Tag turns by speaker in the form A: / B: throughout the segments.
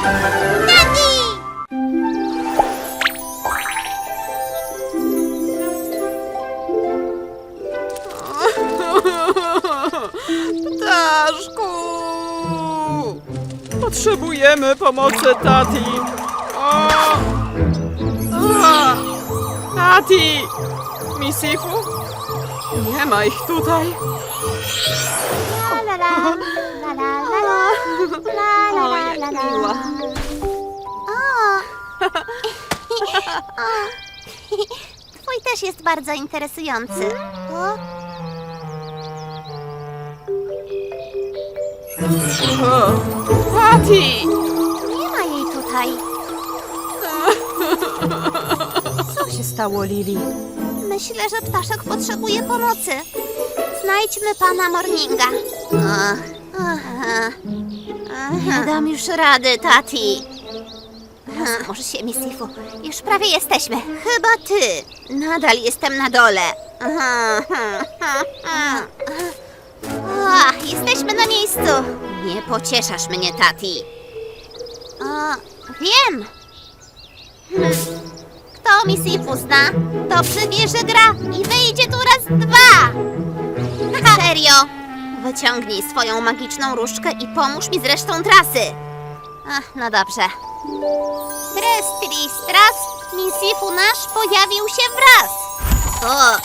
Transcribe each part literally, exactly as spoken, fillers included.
A: Tati!
B: Ptaszku! Potrzebujemy pomocy Tati. O! A! Tati! Misifu? Nie ma ich tutaj.
A: La la la, la la la la, la la
B: O,
A: la
B: jak
A: la la.
B: miła.
A: O. O. Twój też jest bardzo interesujący. O.
B: O! Tati!
A: Nie ma jej tutaj.
B: Co się stało, Lili?
A: Myślę, że ptaszek potrzebuje pomocy. Znajdźmy pana Morninga. Ach, aha. Nie dam już rady, Tati. Może się, Misifu. Już prawie jesteśmy. Chyba ty. Nadal jestem na dole. Aha, aha, aha. Ach, jesteśmy na miejscu. Nie pocieszasz mnie, Tati. O, wiem. Hmm. Kto Misifu zna, dobrze wie, że gra i wyjdzie tu raz dwa. Serio? Wyciągnij swoją magiczną różdżkę i pomóż mi z resztą trasy. Ach, no dobrze. Tres, tris, tras, Misifu nasz pojawił się wraz. O,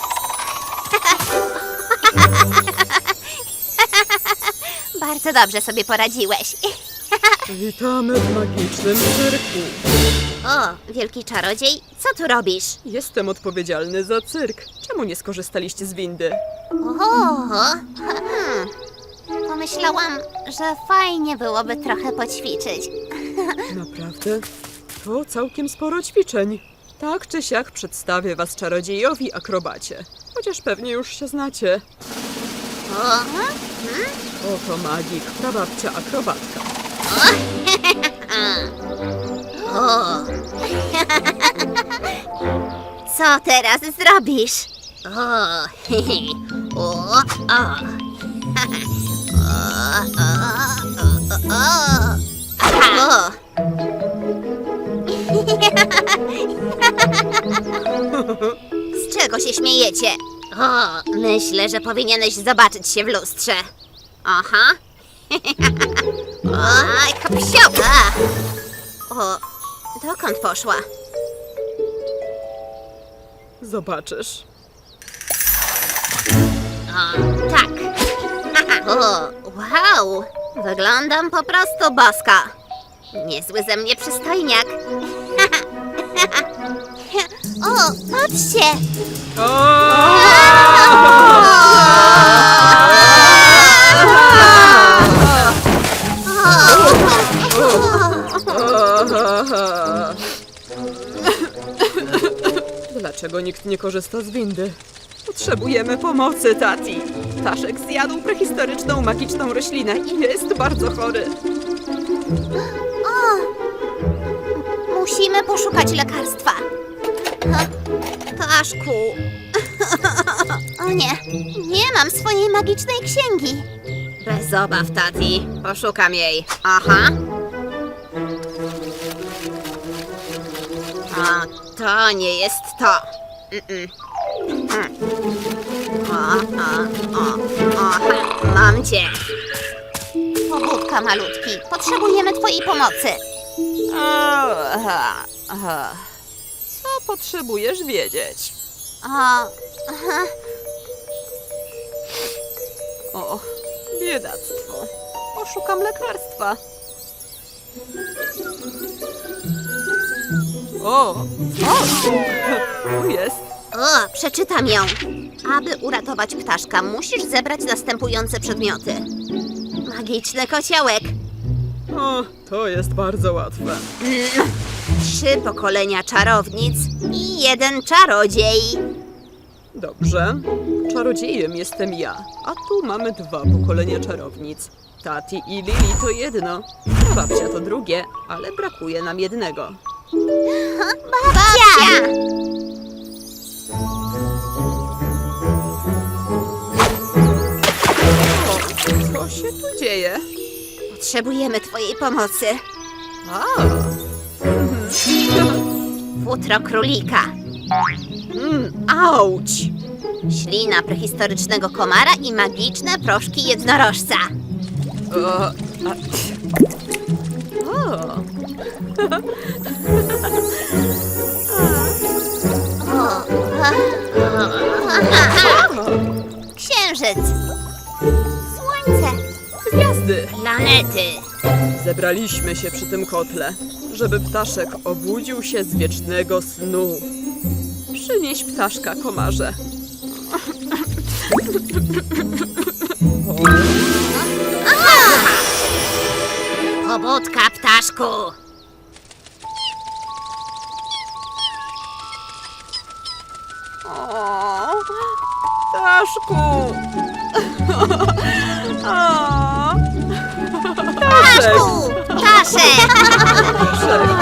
A: bardzo dobrze sobie poradziłeś.
B: Witamy w magicznym cyrku.
A: O, wielki czarodziej, co tu robisz?
B: Jestem odpowiedzialny za cyrk. Czemu nie skorzystaliście z windy?
A: O, hmm. Pomyślałam, że fajnie byłoby trochę poćwiczyć.
B: Naprawdę? To całkiem sporo ćwiczeń. Tak czy siak przedstawię was czarodziejowi akrobacie. Chociaż pewnie już się znacie.
A: O, hmm?
B: Oto magik, prababcia akrobatka.
A: O. Co teraz zrobisz? O, o, o. O, o, o, o. Z czego się śmiejecie? O, myślę, że powinieneś zobaczyć się w lustrze. Aha. Oj, kapsioka! O, dokąd poszła?
B: Zobaczysz.
A: O, tak. O, wow! Wyglądam po prostu bosko. Niezły ze mnie przystojniak. O, patrzcie!
B: Dlaczego nikt nie korzysta z windy? Potrzebujemy pomocy, Tati. Ptaszek zjadł prehistoryczną, magiczną roślinę i jest bardzo chory.
A: O, musimy poszukać lekarstwa. Ptaszku. O nie, nie mam swojej magicznej księgi. Bez obaw, Tati. Poszukam jej. Aha. O, to nie jest to. Mm-mm. Mm. O, o, o, o, mam cię. Pobudka, malutki. Potrzebujemy twojej pomocy.
B: Aha, aha. Co potrzebujesz wiedzieć?
A: O, aha.
B: O, biedactwo. Poszukam lekarstwa. O, o, tu jest.
A: O, przeczytam ją. Aby uratować ptaszka, musisz zebrać następujące przedmioty. Magiczny kociołek.
B: O, to jest bardzo łatwe.
A: Mm. Trzy pokolenia czarownic i jeden czarodziej.
B: Dobrze. Czarodziejem jestem ja, a tu mamy dwa pokolenia czarownic. Tati i Lili to jedno, babcia to drugie, ale brakuje nam jednego.
A: Babcia!
B: O, co się tu dzieje?
A: Potrzebujemy twojej pomocy.
B: A,
A: Futro królika.
B: mm, auć!
A: Ślina prehistorycznego komara i magiczne proszki jednorożca.
B: O, a, o.
A: Księżyc. Słońce.
B: Gwiazdy!
A: Planety.
B: Zebraliśmy się przy tym kotle, żeby ptaszek obudził się z wiecznego snu. Przynieś ptaszka, komarze.
A: Pobudka, ptaszku.
B: O, ptaszku! O, ptaszek!
A: Ptaszku! Ptaszek!
B: Ptaszek!